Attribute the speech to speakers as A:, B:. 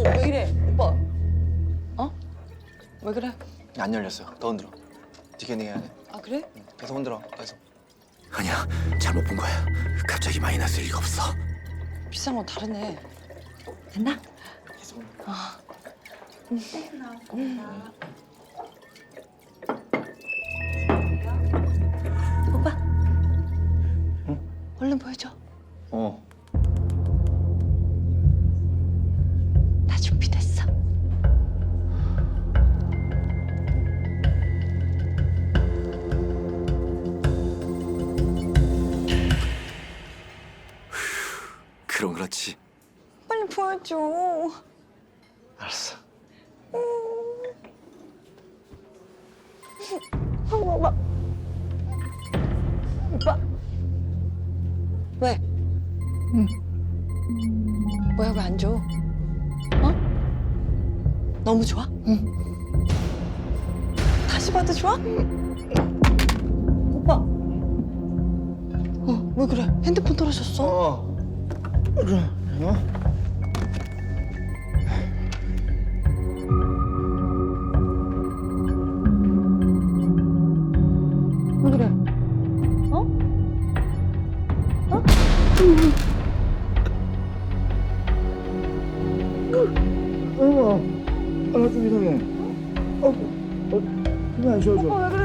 A: 왜 이래? 오빠. 어? 왜 그래?
B: 안 열렸어요. 더 흔들어. 디캐닝 해야 돼.
A: 아 그래?
B: 계속 흔들어. 계속.
C: 아니야, 잘못 본 거야. 갑자기 마이너스 리가 없어.
A: 비싼 건 다르네. 됐나?
B: 계속 흔들어.
A: 오빠. 얼른 보여줘.
B: 어.
A: 다 준비됐어.
C: 그럼 그렇지.
A: 빨리 보여줘.
B: 알았어.
A: 오빠. 오빠. 왜? 뭐야 왜 안 줘? 어? 너무 좋아? 다시 봐도 좋아? 오빠. 왜 그래? 핸드폰 떨어졌어?
B: 그래. 어?
A: 왜 그래? 어? 어?
B: 좀 이상해. 그만 쉬어줘.
A: 오빠 왜 그래?